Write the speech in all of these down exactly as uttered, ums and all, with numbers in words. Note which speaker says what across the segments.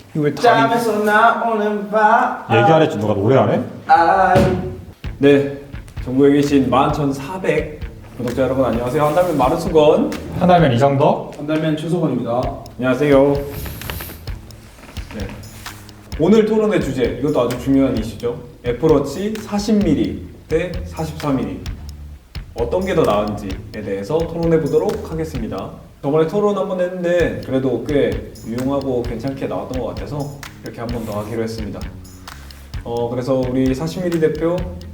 Speaker 1: 이거 왜 다리
Speaker 2: 짬에서 나오는 바
Speaker 3: 얘기 안 했지? 누가 노래 안 해?
Speaker 2: 아이.
Speaker 1: 네, 전국에 계신 만 천사백 구독자 여러분 안녕하세요. 한달면 마른수건
Speaker 3: 하나면 이정덕.
Speaker 2: 한달면 최소건입니다.
Speaker 1: 안녕하세요. 네. 오늘 토론의 주제, 이것도 아주 중요한 이슈죠. 애플워치 사십 밀리미터 대 사십사 밀리미터 어떤 게 더 나은지에 대해서 토론해 보도록 하겠습니다. 저번에 토론 한번 했는데 그래도 꽤 유용하고 괜찮게 나왔던 것 같아서 이렇게 한 번 더 하기로 했습니다. 어 그래서 우리 사십 밀리미터 대표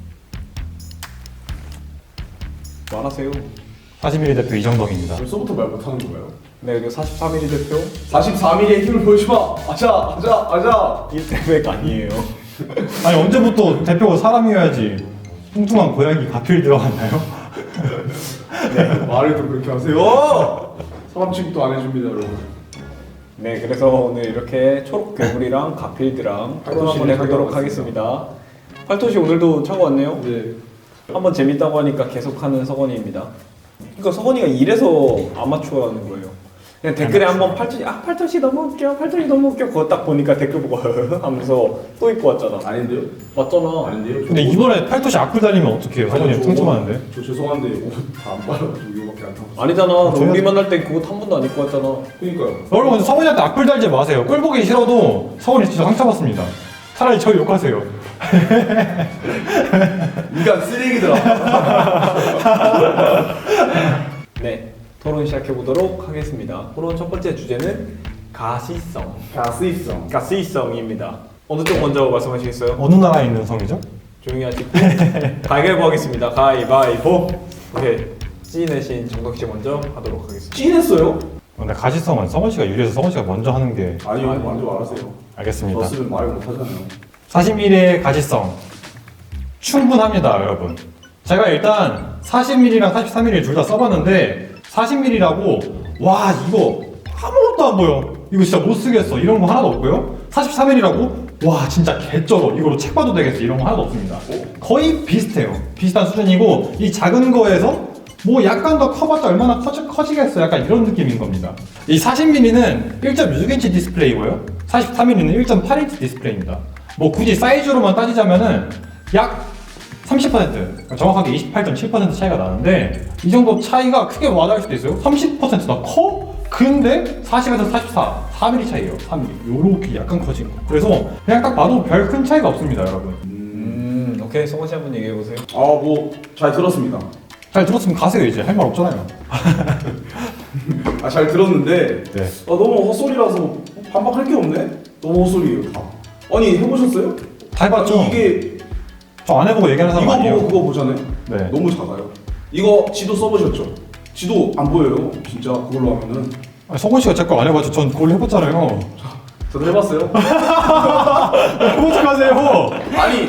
Speaker 1: 말하세요.
Speaker 3: 사십 밀리미터 대표 이정덕입니다.
Speaker 2: 벌써부터 말 못하는 거예요?
Speaker 1: 네, 그리고 사십사 밀리미터 대표
Speaker 2: 사십사 밀리미터의 힘을 보여주마. 아자 아자 아자.
Speaker 1: 일대백 아니에요.
Speaker 3: 아니 언제부터 대표가 사람이어야지 뚱뚱한 고양이 가필 들어갔나요?
Speaker 2: 네, 말을 또 그렇게 하세요. 사람 취급도 안 해줍니다, 여러분.
Speaker 1: 네, 그래서 오늘 이렇게 초록 괴물이랑 가필드랑 토론 한번 해보도록 하겠습니다. 팔토시 오늘도 차고 왔네요.
Speaker 2: 네.
Speaker 1: 한번 재밌다고 하니까 계속하는 서건이입니다. 그러니까 서건이가 이래서 아마추어라는 거예요. 그냥 댓글에 한번 팔토시 아 팔토시 너무 웃겨, 팔토시 너무 웃겨 그거 딱 보니까 댓글 보고 하면서 또 입고 왔잖아.
Speaker 2: 아닌데요?
Speaker 1: 맞잖아.
Speaker 2: 아닌데요?
Speaker 3: 근데 이번에 팔토시 악플 달리면 어떡해요? 사장님 퉁퉁하는데.
Speaker 2: 저 죄송한데 옷 다 안 빨아가지고 이거밖에 안 타고.
Speaker 1: 아니잖아. 너
Speaker 3: 저희가-
Speaker 1: 우리 만날 땐 그거 한 번도 안 입고 왔잖아.
Speaker 2: 그니까요.
Speaker 3: 여러분 성훈이한테 악플 달지 마세요. 꼴 보기 싫어도 성훈이 진짜 상처받습니다. 차라리 저 욕하세요.
Speaker 2: 인간 쓰레기들아.
Speaker 1: 네, 토론 시작해 보도록 하겠습니다. 토론 첫 번째 주제는 가시성.
Speaker 2: 가스입성.
Speaker 1: 가시성입니다. 어느 쪽 먼저 말씀하시겠어요?
Speaker 3: 어느 나라에 있는 성이죠?
Speaker 1: 조용히 하시고 가위바위보 하겠습니다. 가위바위보. 오케이. 찌 내신 정덕 씨 먼저 하도록 하겠습니다.
Speaker 2: 찐했어요?
Speaker 3: 근데 가시성은 성훈 씨가 유리해서 성훈 씨가 먼저 하는 게
Speaker 2: 아니요, 먼저 말하세요.
Speaker 3: 알겠습니다.
Speaker 2: 졌으면 말을 못 하잖아요.
Speaker 3: 사십 밀리미터의 가시성 충분합니다, 여러분. 제가 일단 사십 밀리미터랑 사십삼 밀리미터 둘 다 써봤는데 사십 밀리미터라고 와 이거 아무것도 안 보여, 이거 진짜 못 쓰겠어 이런 거 하나도 없고요. 사십삼 밀리미터라고 와 진짜 개쩔어, 이거로 책 봐도 되겠어 이런 거 하나도 없습니다. 거의 비슷해요. 비슷한 수준이고 이 작은 거에서 뭐 약간 더 커봤자 얼마나 커지, 커지겠어 약간 이런 느낌인 겁니다. 이 사십 밀리미터는 일 점 육 인치 디스플레이고요. 사십삼 밀리미터는 일 점 팔 인치 디스플레이입니다. 뭐 굳이 사이즈로만 따지자면은 약 삼십 퍼센트, 그러니까 정확하게 이십팔 점 칠 퍼센트 차이가 나는데 이 정도 차이가 크게 와닿을 수도 있어요. 삼십 퍼센트나 커? 근데 사십에서 사십사, 사 밀리미터 차이예요. 사 밀리미터. 요렇게 약간 커진 거. 그래서 그냥 딱 봐도 별 큰 차이가 없습니다, 여러분.
Speaker 1: 음, 오케이. 성원 씨 한번 얘기해 보세요.
Speaker 2: 아, 뭐 잘 들었습니다.
Speaker 3: 잘 들었으면 가세요. 이제 할 말 없잖아요.
Speaker 2: 아, 잘 들었는데
Speaker 3: 네.
Speaker 2: 아, 너무 헛소리라서 반박할 게 없네. 너무 헛소리예요, 다. 아니, 해보셨어요?
Speaker 3: 다 해봤죠?
Speaker 2: 아니, 이게
Speaker 3: 저 안 해보고 얘기하는 사람
Speaker 2: 이거
Speaker 3: 아니에요.
Speaker 2: 보고 그거 보잖아요.
Speaker 3: 네.
Speaker 2: 너무 작아요. 이거 지도 써보셨죠? 지도 안 보여요, 진짜 그걸로 하면은.
Speaker 3: 아니, 성훈 씨가 제 거 안 해봤죠. 전 그걸로 해봤잖아요.
Speaker 2: 저도 해봤어요.
Speaker 3: 해보지 마세요.
Speaker 2: 아니.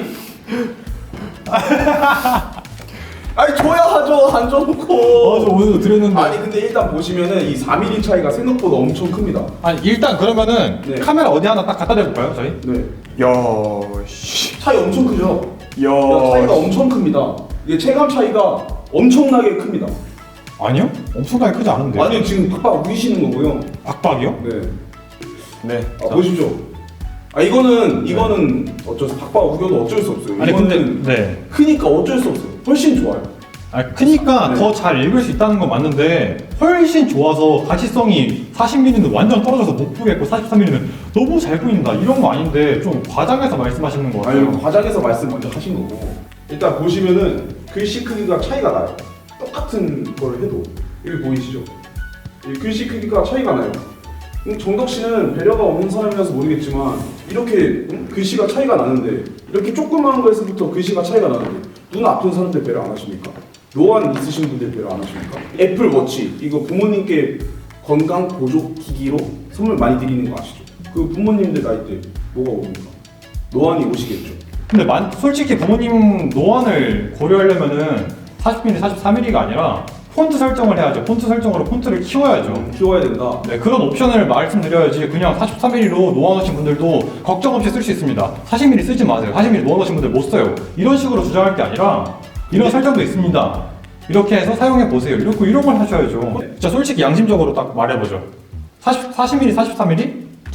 Speaker 2: 아니 줘야 하죠. 안 줘놓고.
Speaker 3: 어, 저 오늘도 드렸는데.
Speaker 2: 아니 근데 일단 보시면은 이 사 밀리미터 차이가 생각보다 엄청 큽니다.
Speaker 3: 아니 일단 그러면은
Speaker 2: 네.
Speaker 3: 카메라 어디 하나 딱 갖다 대볼까요, 저희?
Speaker 2: 네.
Speaker 1: 야, 씨.
Speaker 2: 차이 엄청 크죠?
Speaker 1: 야,
Speaker 2: 야, 차이가 엄청 큽니다. 이게 체감 차이가 엄청나게 큽니다.
Speaker 3: 아니요? 엄청나게 크지 않은데.
Speaker 2: 아니 지금 팍팍 우기시는 거고요.
Speaker 3: 박박이요?
Speaker 2: 네.
Speaker 1: 네.
Speaker 2: 아, 보십시오. 아 이거는 이거는 어쩔 수 팍팍 우겨도 어쩔 수 없어요.
Speaker 3: 아니
Speaker 2: 이거는
Speaker 3: 근데 네.
Speaker 2: 크니까 어쩔 수 없어요. 훨씬 좋아요.
Speaker 3: 아니 크니까
Speaker 2: 네.
Speaker 3: 더 잘 읽을 수 있다는 건 맞는데 훨씬 좋아서 가시성이 사십 밀리미터는 완전 떨어져서 못 보겠고 사십삼 밀리미터는 너무 잘 보인다 이런 거 아닌데 좀 과장해서 말씀하시는 거 같아요.
Speaker 2: 아니 과장해서 말씀 먼저 하신 거고 일단 보시면은 글씨 크기가 차이가 나요. 똑같은 걸 해도 여기 보이시죠? 이 글씨 크기가 차이가 나요. 음, 정덕 씨는 배려가 없는 사람이라서 모르겠지만 이렇게 음, 글씨가 차이가 나는데 이렇게 조그마한 거에서부터 글씨가 차이가 나는데 눈 아픈 사람들 배려 안 하십니까? 노안 있으신 분들 배려 안 하십니까? 애플 워치 이거 부모님께 건강 보조 기기로 선물 많이 드리는 거 아시죠? 그 부모님들 나이 때 뭐가 옵니까? 노안이 오시겠죠.
Speaker 3: 근데 만, 솔직히 부모님 노안을 고려하려면은 사십 밀리미터, 사십삼 밀리미터가 아니라 폰트 설정을 해야죠. 폰트 설정으로 폰트를 키워야죠.
Speaker 2: 키워야 된다.
Speaker 3: 네, 그런 옵션을 말씀드려야지 그냥 사십삼 밀리미터로 노안 오신 분들도 걱정 없이 쓸 수 있습니다. 사십 밀리미터 쓰지 마세요. 사십 밀리미터 노안 오신 분들 못 써요. 이런 식으로 주장할 게 아니라 이런 설정도 있습니다. 이렇게 해서 사용해 보세요. 이렇게 이런 걸 하셔야죠. 진짜 솔직히 양심적으로 딱 말해보죠. 사십, 사십 밀리미터, 사십삼 밀리미터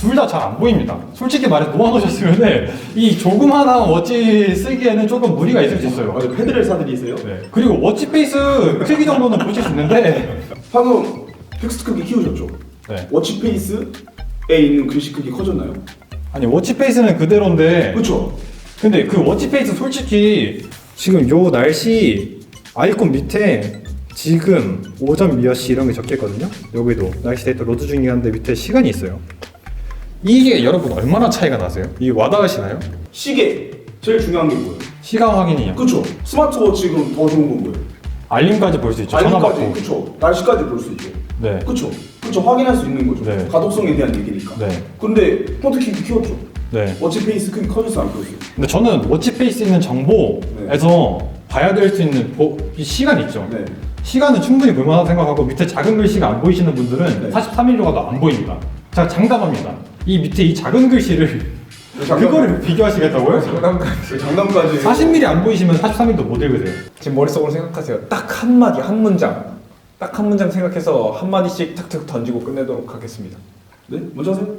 Speaker 3: 둘 다 잘 안 보입니다. 솔직히 말해서 놓아놓으셨으면 이 조그마한 워치 쓰기에는 조금 무리가 있을 수 있어요.
Speaker 2: 맞아, 패드를 사드리세요.
Speaker 3: 네. 그리고 워치 페이스 크기 정도는 보실 수 있는데
Speaker 2: 방금 텍스트 크기 키우셨죠?
Speaker 3: 네.
Speaker 2: 워치 페이스에 있는 글씨 크기 커졌나요?
Speaker 3: 아니 워치 페이스는 그대로인데
Speaker 2: 그렇죠.
Speaker 3: 근데 그 워치 페이스 솔직히 지금 요 날씨 아이콘 밑에 지금 오전 몇 시 이런 게 적혀있거든요. 여기도 날씨 데이터 로드 중이한데 밑에 시간이 있어요. 이게 여러분 얼마나 차이가 나세요? 이게 와닿으시나요?
Speaker 2: 시계 제일 중요한 게 뭐예요?
Speaker 3: 시간 확인이요.
Speaker 2: 그렇죠. 스마트워치 그럼 더 좋은 건 뭐예요?
Speaker 3: 알림까지 볼 수 있죠. 전화
Speaker 2: 알림까지,
Speaker 3: 받고.
Speaker 2: 그렇죠. 날씨까지 볼 수 있죠.
Speaker 3: 네.
Speaker 2: 그렇죠. 그렇죠. 확인할 수 있는 거죠.
Speaker 3: 네.
Speaker 2: 가독성에 대한 얘기니까.
Speaker 3: 네.
Speaker 2: 근데 폰트 키 키웠죠.
Speaker 3: 네.
Speaker 2: 워치 페이스 크기 커졌어 안 커졌어요?
Speaker 3: 근데 저는 워치 페이스 있는 정보에서 봐야 될 수 있는 보, 이 시간 있죠.
Speaker 2: 네.
Speaker 3: 시간은 충분히 볼만하다고 생각하고 밑에 작은 글씨가 안 보이시는 분들은
Speaker 2: 네.
Speaker 3: 사십삼 밀리미터가 더 안 보입니다. 제가 장담합니다. 이 밑에 이 작은 글씨를
Speaker 2: 장담-
Speaker 3: 그거를 비교하시겠다고요?
Speaker 1: 장담까지.
Speaker 2: 장담까지.
Speaker 3: 사십 밀리미터 안 보이시면 사십삼 밀리미터 못 읽으세요.
Speaker 1: 지금 머릿속으로 생각하세요. 딱 한 마디, 한 문장. 딱 한 문장 생각해서 한 마디씩 탁탁 던지고 끝내도록 하겠습니다.
Speaker 2: 네? 먼저 하세요.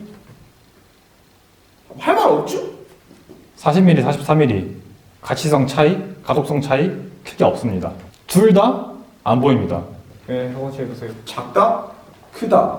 Speaker 2: 할 말 없죠?
Speaker 3: 사십 밀리미터, 사십삼 밀리미터 가치성 차이, 가독성 차이 크게 없습니다. 둘 다 안 보입니다.
Speaker 1: 네, 한번 해보세요.
Speaker 2: 작다, 크다.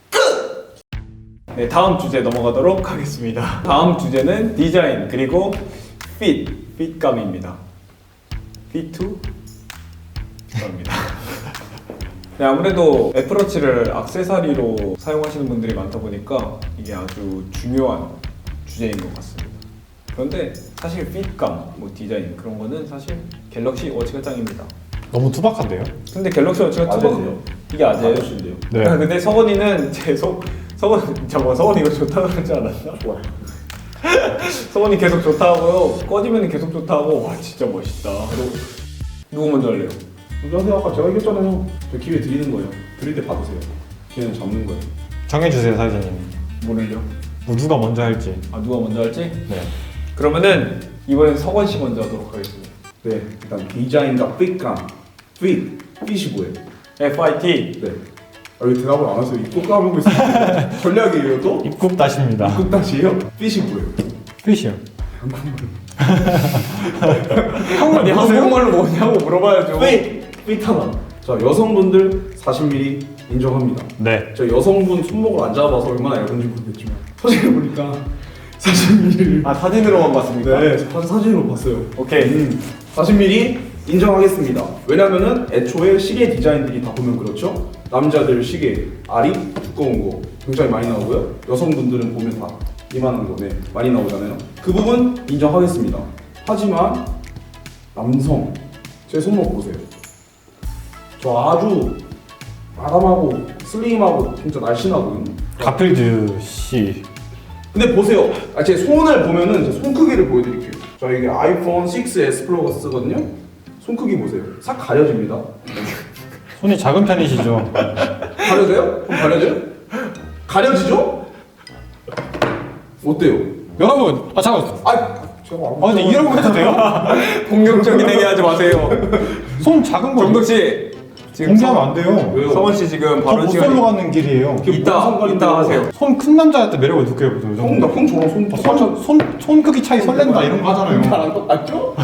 Speaker 1: 네, 다음 주제 넘어가도록 하겠습니다. 다음 주제는 디자인 그리고 핏, 핏감입니다. 피투? 감입니다. 네, 아무래도 애플워치를 액세서리로 사용하시는 분들이 많다 보니까 이게 아주 중요한 주제인 것 같습니다. 그런데 사실 핏감, 뭐 디자인 그런 거는 사실 갤럭시 워치가 짱입니다.
Speaker 3: 너무 투박한데요?
Speaker 1: 근데 갤럭시 워치가
Speaker 2: 아재세요.
Speaker 1: 투박 이게 아재예요.
Speaker 2: 아저씨인데요.
Speaker 3: 네.
Speaker 1: 아, 근데 서건이는 제 소, 서건 잠깐 서건이 이거 좋다고 하지 않았나?
Speaker 2: 좋아요.
Speaker 1: 서건이 계속 좋다고요. 꺼지면 계속 좋다고. 와 진짜 멋있다. 그리고 누구 먼저 할래요?
Speaker 2: 먼저 하세요. 아까 제가 얘기했잖아요. 저 기회 드리는 거예요. 드릴 때 받으세요. 기회는 잡는 거예요.
Speaker 3: 정해주세요, 사장님.
Speaker 1: 뭐를요?
Speaker 3: 뭐 누가 먼저 할지.
Speaker 1: 아 누가 먼저 할지?
Speaker 3: 네.
Speaker 1: 그러면은 이번엔 서건 씨 먼저 하도록 하겠습니다.
Speaker 2: 네, 일단 디자인과 핏감. 핏, 핏이 뭐예요?
Speaker 1: 에프 아이 티.
Speaker 2: 네. 아, 왜 대답을 안 하세요? 입국 까먹고 있어요. 전략이에요 또?
Speaker 3: 입국 다십니다.
Speaker 2: 입국 다시에요? 핏이 뭐예요?
Speaker 3: 핏이요.
Speaker 1: 아니 한국말로 뭐냐고 물어봐야죠.
Speaker 2: 핏! 핏 하나. 자, 여성분들 사십 밀리미터 인정합니다.
Speaker 3: 네.
Speaker 2: 저 여성분 손목을 안 잡아서 얼마나 얇은지 모르겠지만 사진을 보니까 사십 밀리미터.
Speaker 1: 아 사진으로만 봤습니까?
Speaker 2: 네, 사- 사진으로 봤어요.
Speaker 1: 오케이.
Speaker 2: 음, 사십 밀리미터 인정하겠습니다. 왜냐면은 애초에 시계 디자인들이 다 보면 그렇죠. 남자들 시계 알이 두꺼운 거 굉장히 많이 나오고요. 여성분들은 보면 다 이만한 거 네, 많이 나오잖아요. 그 부분 인정하겠습니다. 하지만 남성 제 손목 보세요. 저 아주 아담하고 슬림하고 진짜 날씬하거든요.
Speaker 3: 가필드 씨.
Speaker 2: 근데 보세요. 아, 제 손을 보면은 제 손 크기를 보여드릴게요. 저 이게 아이폰 식스 에스 플러스거든요. 손 크기 보세요. 싹 가려집니다.
Speaker 3: 손이 작은 편이시죠?
Speaker 2: 가려져요? 손 가려져요? 가려지죠? 어때요?
Speaker 3: 여러분, 아 잠깐.
Speaker 2: 아, 제가
Speaker 3: 아 근데 이런 거 해도 돼요?
Speaker 1: 공격적인 얘기하지 마세요.
Speaker 3: 손 작은 거
Speaker 1: 정덕 씨 지금
Speaker 3: 공개하면 안 돼요.
Speaker 2: 왜요?
Speaker 1: 서원 씨 지금
Speaker 3: 저
Speaker 1: 바로
Speaker 3: 못살로
Speaker 1: 시간이
Speaker 3: 가는 길이에요.
Speaker 2: 그게
Speaker 1: 이따
Speaker 2: 무슨 상관인데요?
Speaker 1: 이따 하세요.
Speaker 3: 손 큰 남자한테 매력을 느껴요, 보통.
Speaker 2: 형, 나 형 저랑 손
Speaker 3: 아,
Speaker 2: 똑같아.
Speaker 3: 손, 손, 손 크기 차이 설렌다 이런 거 하잖아요.
Speaker 2: 나랑 똑같죠?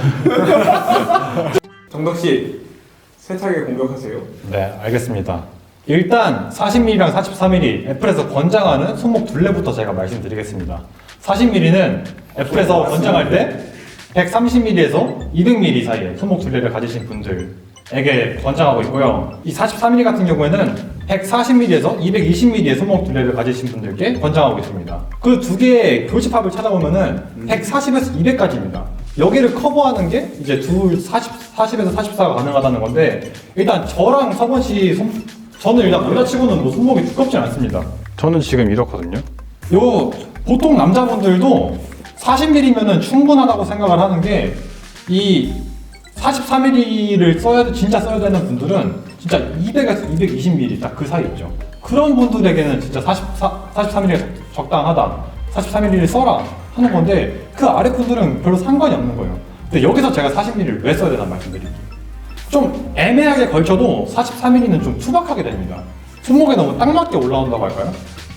Speaker 1: 정덕 씨 세차게 공격하세요.
Speaker 3: 네, 알겠습니다. 일단 사십 밀리미터랑 사십삼 밀리미터 애플에서 권장하는 손목 둘레부터 제가 말씀드리겠습니다. 사십 밀리미터는 애플에서 권장할 때 백삼십 밀리미터에서 이백 밀리미터 사이에 손목 둘레를 가지신 분들에게 권장하고 있고요. 이 사십삼 밀리미터 같은 경우에는 백사십 밀리미터에서 이백이십 밀리미터의 손목 둘레를 가지신 분들께 권장하고 있습니다. 그 두 개의 교집합을 찾아보면은 백사십에서 이백까지입니다. 여기를 커버하는 게 이제 둘 사십, 사십에서 사십사가 가능하다는 건데 일단 저랑 서건 씨 손, 저는 일단 남자치고는 뭐 손목이 두껍지 않습니다. 저는 지금 이렇거든요. 요 보통 남자분들도 사십 밀리미터면은 충분하다고 생각을 하는 게 이 사십삼 밀리미터를 써야 돼- 진짜 써야 되는 분들은 진짜 이백에서 이백이십 밀리미터 딱 그 사이 있죠. 그런 분들에게는 진짜 사십사, 사십삼 밀리미터 적당하다. 사십삼 밀리미터를 써라 하는 건데 그 아래 분들은 별로 상관이 없는 거예요. 근데 여기서 제가 사십 밀리미터를 왜 써야 되나 말씀드릴게요. 좀 애매하게 걸쳐도 사십삼 밀리미터는 좀 투박하게 됩니다. 손목에 너무 딱 맞게 올라온다고 할까요?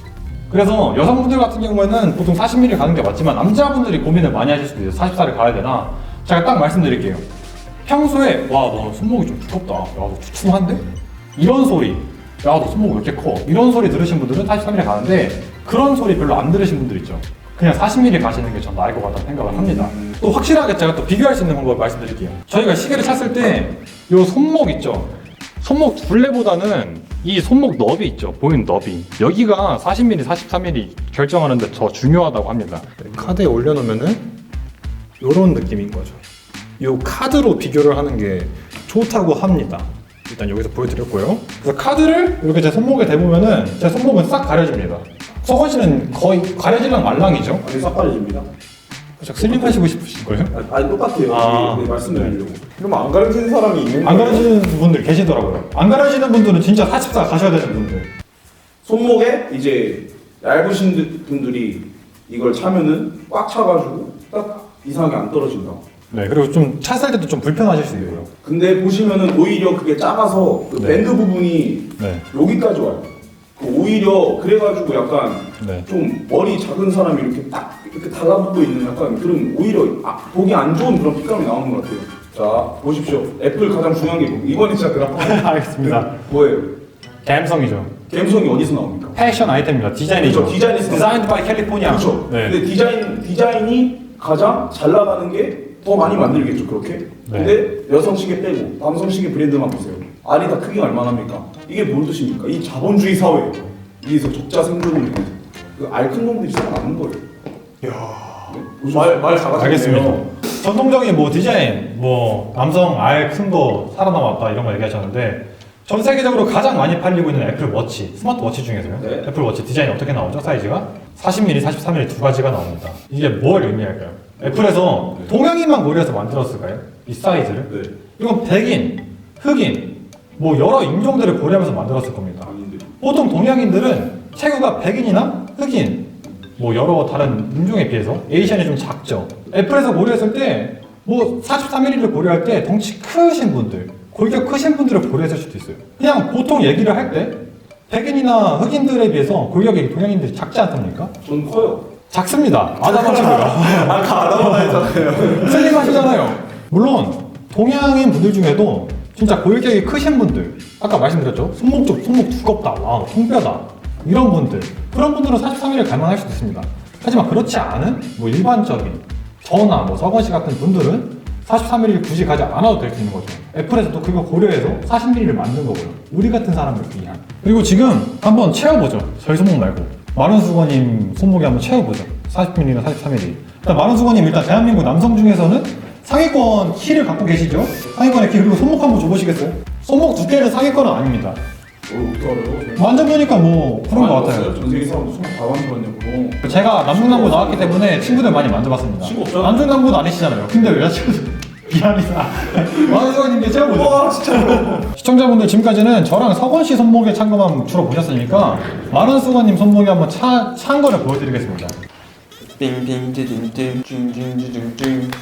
Speaker 3: 그래서 여성분들 같은 경우에는 보통 사십 밀리미터 가는 게 맞지만 남자분들이 고민을 많이 하실 수도 있어요. 사십사를 가야 되나? 제가 딱 말씀드릴게요. 평소에 와 너 손목이 좀 두껍다, 야 너 두툼한데? 이런 소리, 야 너 손목 왜 이렇게 커? 이런 소리 들으신 분들은 사십삼 밀리미터 가는데 그런 소리 별로 안 들으신 분들 있죠. 그냥 사십 밀리미터 가시는 게 전 나을 것 같다는 생각을 합니다. 또 확실하게 제가 또 비교할 수 있는 방법을 말씀드릴게요. 저희가 시계를 찼을 때 이 손목 있죠? 손목 둘레보다는 이 손목 너비 있죠? 보이는 너비, 여기가 사십 밀리미터, 사십삼 밀리미터 결정하는데 더 중요하다고 합니다. 카드에 올려놓으면은 이런 느낌인 거죠. 이 카드로 비교를 하는 게 좋다고 합니다. 일단 여기서 보여드렸고요. 그래서 카드를 이렇게 제 손목에 대보면은 제 손목은 싹 가려집니다. 서건 씨는 거의 가려지랑 말랑이죠?
Speaker 2: 아니 싹 가려집니다.
Speaker 3: 살짝 슬림하시고 싶으신 거예요?
Speaker 2: 아니, 아니 똑같아요.
Speaker 3: 아,
Speaker 2: 네, 말씀드리려고.
Speaker 1: 그럼 안 가르치는 사람이 있는
Speaker 3: 안
Speaker 1: 거예요?
Speaker 3: 가려지는 분들 계시더라고요. 안 가려지는 분들은 진짜 사십사 가셔야 되는 분들.
Speaker 2: 손목에 이제 얇으신 분들이 이걸 차면은 꽉 차가지고 딱 이상하게 안 떨어진다.
Speaker 3: 네, 그리고 좀 찼을 때도 좀 불편하실 수 있고요.
Speaker 2: 근데 보시면은 오히려 그게 작아서 그
Speaker 3: 네.
Speaker 2: 밴드 부분이
Speaker 3: 네,
Speaker 2: 여기까지 와요. 그 오히려 그래가지고 약간
Speaker 3: 네.
Speaker 2: 좀 머리 작은 사람이 이렇게 딱 이렇게 달라붙고 있는 약간 그런 오히려 아, 보기 안 좋은 그런 핏감이 나오는 것 같아요. 자 보십시오. 애플 가장 중요한 게 뭐- 이번에 진짜 그래프
Speaker 3: 알겠습니다.
Speaker 2: 뭐예요?
Speaker 3: 감성이죠.
Speaker 2: 감성이 어디서 나옵니까?
Speaker 3: 패션 아이템입니다. 디자인이죠.
Speaker 2: 그렇죠, 디자인이죠.
Speaker 3: 디자인드 바이 캘리포니아.
Speaker 2: 그렇죠.
Speaker 3: 네.
Speaker 2: 근데 디자인 디자인이 가장 잘 나가는 게 더 많이 만들겠죠 그렇게.
Speaker 3: 네.
Speaker 2: 근데 여성 시계 빼고 남성 시계 브랜드만 보세요. 알이 다 크기가 얼마나 합니까? 이게 뭔 뜻입니까? 이 자본주의 사회예요. 여기서 적자 생존을 위해서 그알 큰 놈들이 살아남는 거예요. 네? 말말 잘하시네요.
Speaker 3: 알겠습니다. 전통적인 뭐 디자인, 뭐 남성 알 큰 거 살아남았다 이런 거 얘기하셨는데 전 세계적으로 가장 많이 팔리고 있는 애플 워치, 스마트워치 중에서요.
Speaker 2: 네.
Speaker 3: 애플 워치 디자인이 어떻게 나오죠? 사이즈가 사십 밀리미터, 사십삼 밀리미터 두 가지가 나옵니다. 이게 뭘 의미할까요? 애플에서 동양인만 고려해서 만들었을까요? 이 사이즈를?
Speaker 2: 네.
Speaker 3: 이건 백인, 흑인, 뭐 여러 인종들을 고려하면서 만들었을 겁니다.
Speaker 2: 아닌데.
Speaker 3: 보통 동양인들은 체구가 백인이나 흑인, 뭐 여러 다른 인종에 비해서 에이션이 좀 작죠. 애플에서 고려했을 때 뭐 사십삼 밀리미터를 고려할 때 덩치 크신 분들, 골격 크신 분들을 고려했을 수도 있어요. 그냥 보통 얘기를 할 때 백인이나 흑인들에 비해서 골격이 동양인들이 작지 않습니까?
Speaker 2: 전 커요.
Speaker 3: 작습니다. 아담한 친구가.
Speaker 1: 아까 아담하다 했잖아요.
Speaker 3: 슬림하시잖아요. 물론 동양인 분들 중에도 진짜 골격이 크신 분들, 아까 말씀드렸죠? 손목 쪽 손목 두껍다, 와 통뼈다 이런 분들, 그런 분들은 사십삼 밀리미터 갈만할 수도 있습니다. 하지만 그렇지 않은 뭐 일반적인 저나 뭐 서건 씨 같은 분들은 사십삼 밀리미터 굳이 가지 않아도 될 수 있는 거죠. 애플에서도 그거 고려해서 사십 밀리미터를 만든 거고요. 우리 같은 사람을 위한. 그리고 지금 한번 채워보죠. 저희 손목 말고 마른 수건님 손목에 한번 채워보죠. 사십 밀리미터, 사십삼 밀리미터. 일단 마른 수건님 일단 대한민국 남성 중에서는 상위권 키를 갖고 계시죠? 상위권의 키. 그리고 손목 한번 줘보시겠어요? 손목 두께는 상위권은 아닙니다.
Speaker 2: 어, 어떻게 알아요?
Speaker 3: 만져보니까 뭐 그런 것 같아요.
Speaker 2: 전 세계 사람도 손목 다 만들었냐고.
Speaker 3: 제가 남중남부 나왔기 때문에 친구들 많이 만져봤습니다.
Speaker 2: 친구 없잖아.
Speaker 3: 남중남부는 아니시잖아요. 근데 왜 여자친구 미안합니다. 마은수건님께 채워보죠.
Speaker 2: 와 진짜로.
Speaker 3: 시청자분들 지금까지는 저랑 서건 씨 손목에 찬 것만 주로 보셨으니까 마른수건님 손목에 한번 차, 찬 거를 보여드리겠습니다.
Speaker 1: 빙빙지딩딩 징징지징징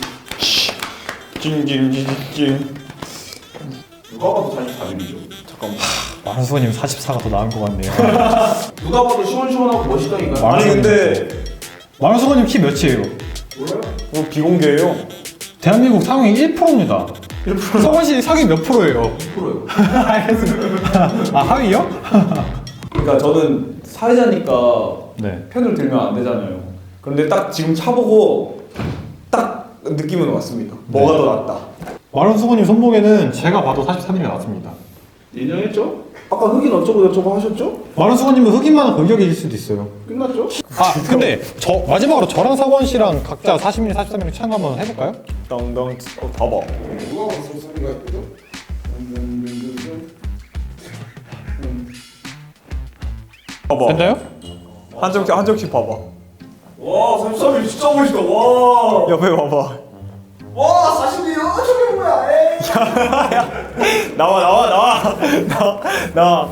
Speaker 1: 징징지징징.
Speaker 2: 누가 봐도 사십사 밀리미터죠.
Speaker 1: 잠깐만.
Speaker 3: 마른수건님 사십사가 더 나은 것 같네요.
Speaker 2: 누가 봐도 시원시원하고 멋있다 이거.
Speaker 1: 아니 근데
Speaker 3: 마른수건님 키 몇이에요?
Speaker 2: 몰라요?
Speaker 1: 뭐 비공개예요.
Speaker 3: 대한민국 상위 일 퍼센트입니다.
Speaker 1: 일 퍼센트.
Speaker 3: 서건 씨 상위 몇 프로예요?
Speaker 2: 십 퍼센트요.
Speaker 3: 알겠습니다. 아 하위요?
Speaker 1: 그러니까 저는 사회자니까
Speaker 3: 네.
Speaker 1: 편을 들면 안 되잖아요. 그런데 딱 지금 차보고 딱 느낌은 왔습니다. 뭐가 더 낫다.
Speaker 3: 마른수건님 손목에는 제가 봐도 사십삼 밀리미터 맞습니다.
Speaker 2: 인정했죠? 아까 흑인 어쩌고 저쩌고 하셨죠?
Speaker 3: 마른수건님은 흑인만 골격일 수도 있어요.
Speaker 2: 끝났죠?
Speaker 3: 아 근데 저 마지막으로 저랑 서건 씨랑 각자 사십 밀리미터, 사십삼 밀리미터 찬 거 한번 해볼까요?
Speaker 1: 땅땅. 어 봐봐.
Speaker 2: 누가 봐도 사십사가 있거든?
Speaker 1: 봐봐.
Speaker 3: 됐나요?
Speaker 1: 한 점씩 한 점씩 봐봐.
Speaker 2: 와 사십삼 밀리미터 진짜 멋있다. 와.
Speaker 1: 옆에 봐봐.
Speaker 2: 와 사십 밀리미터 저게 뭐야? 에이.
Speaker 1: 나와 나와 나와 나와 나와.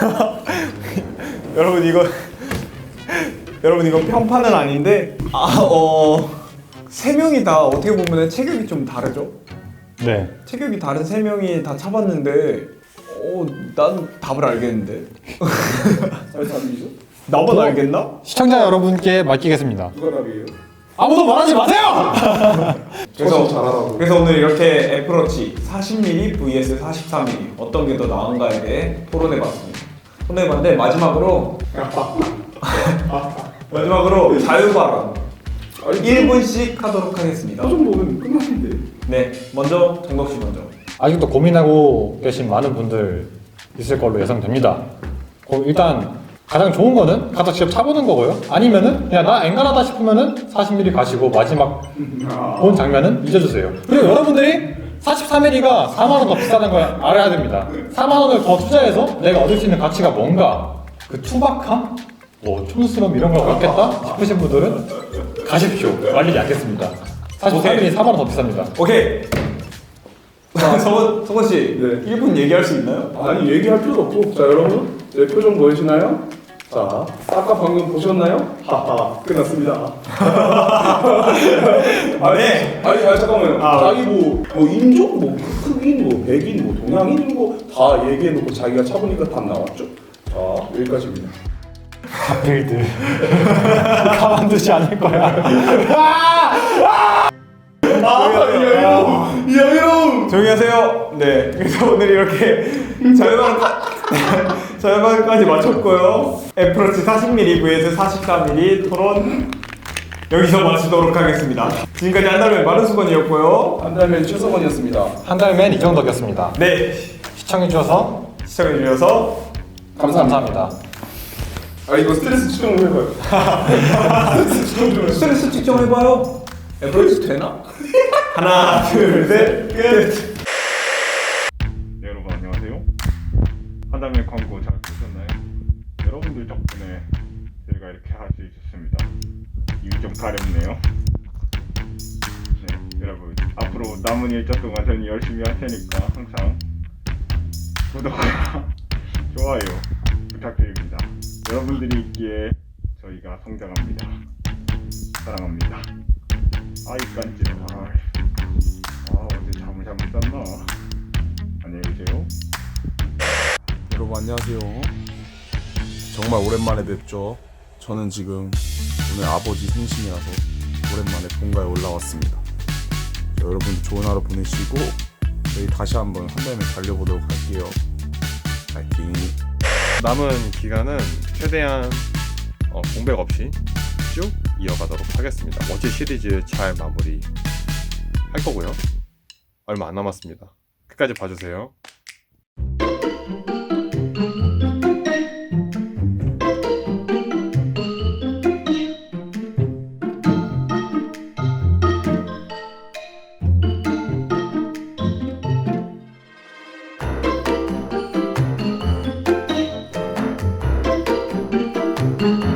Speaker 1: 여러분 이거 여러분 이거 평판은 아닌데 아어세 명이 다 어떻게 보면 체격이 좀 다르죠?
Speaker 3: 네.
Speaker 1: 체격이 다른 세 명이 다 차봤는데 어난 답을 알겠는데.
Speaker 2: 사십삼 밀리미터?
Speaker 1: 나만 알겠나?
Speaker 3: 시청자 여러분께 맡기겠습니다.
Speaker 2: 누가 답이에요?
Speaker 3: 아무도 말하지 마세요!
Speaker 2: 그래서 잘하라고.
Speaker 1: 그래서 오늘 이렇게 애플워치 사십 밀리미터 vs 사십사 밀리미터 어떤 게 더 나은가에 대해 토론해봤습니다. 토론해봤는데 마지막으로 마지막으로 자유발언
Speaker 2: 아니,
Speaker 1: 일 분씩 하도록 하겠습니다.
Speaker 2: 그 정도면 끝났는데.
Speaker 1: 네, 먼저 정덕 씨 먼저.
Speaker 3: 아직도 고민하고 계신 많은 분들 있을 걸로 예상됩니다. 어, 일단 가장 좋은 거는 가서 직접 차보는 거고요. 아니면은 그냥 나 엔간하다 싶으면은 사십 밀리미터 가시고 마지막 본 장면은 잊어주세요. 그리고 여러분들이 사십사 밀리미터가 사만 원 더 비싸다는 걸 알아야 됩니다. 사만 원을 더 투자해서 내가 얻을 수 있는 가치가 뭔가 그 투박함? 뭐 촌스러움 이런 걸 얻겠다 싶으신 분들은 가십시오. 말리지 않겠습니다. 사십사 밀리미터 사만 원 더 비쌉니다.
Speaker 1: 오케이. 성원 성원 씨,
Speaker 2: 네.
Speaker 1: 일 분 얘기할 수 있나요?
Speaker 2: 아니 얘기할 필요도 없고. 자 여러분 제 표정 보이시나요? 자 아까 방금 보셨나요? 하하 끝났습니다.
Speaker 1: 아, 네.
Speaker 2: 아니, 아니 잠깐만요.
Speaker 1: 아,
Speaker 2: 자기 뭐, 뭐 인종, 뭐 흑인, 뭐 백인, 뭐 동양인 뭐 다 얘기해놓고 자기가 차보니까 답 나왔죠. 자 여기까지입니다.
Speaker 3: 하필들 가만두지 않을 거야.
Speaker 2: 아, 이형
Speaker 1: 조용히 하세요. 네. 그래서 오늘 이렇게 자유방 자유방까지 마쳤고요. 애플워치 사십 밀리미터 vs 사십사 밀리미터 토론 여기서 마치도록 하겠습니다. 지금까지 한달의 마른 수건이었고요.
Speaker 2: 한달맨 최성원이었습니다.
Speaker 3: 한 달맨 이정덕이었습니다.
Speaker 1: 네.
Speaker 3: 시청해주셔서
Speaker 1: 시청해주셔서
Speaker 2: 감사합니다.
Speaker 3: 감사합니다.
Speaker 2: 아 이거 스트레스 측정 좀 해봐요. 스트레스 측정 좀 해봐요.
Speaker 1: 스트레스 측정해봐요. 애플워치 되나? 하나, 둘, 셋, 끝.
Speaker 4: 네, 여러분 안녕하세요. 한달맨 광고 잘 보셨나요? 여러분들 덕분에 저희가 이렇게 할 수 있었습니다. 입이 좀 가렵네요. 네, 여러분 앞으로 남은 일정 동안 저는 열심히 할 테니까 항상 구독과 좋아요 부탁드립니다. 여러분들이 있기에 저희가 성장합니다. 사랑합니다. 아이 깐지러. 아, 아 어제 잠을 잘못 잤나? 안녕히 계세요.
Speaker 5: 여러분 안녕하세요. 정말 오랜만에 뵙죠. 저는 지금 오늘 아버지 생신이라서 오랜만에 본가에 올라왔습니다. 자, 여러분 좋은 하루 보내시고 저희 다시 한번 한달맨 달려보도록 할게요. 파이팅.
Speaker 6: 남은 기간은 최대한 어, 공백 없이 쭉 이어가도록 하겠습니다. 워치 시리즈 잘 마무리 할 거고요. 얼마 안 남았습니다. 끝까지 봐주세요.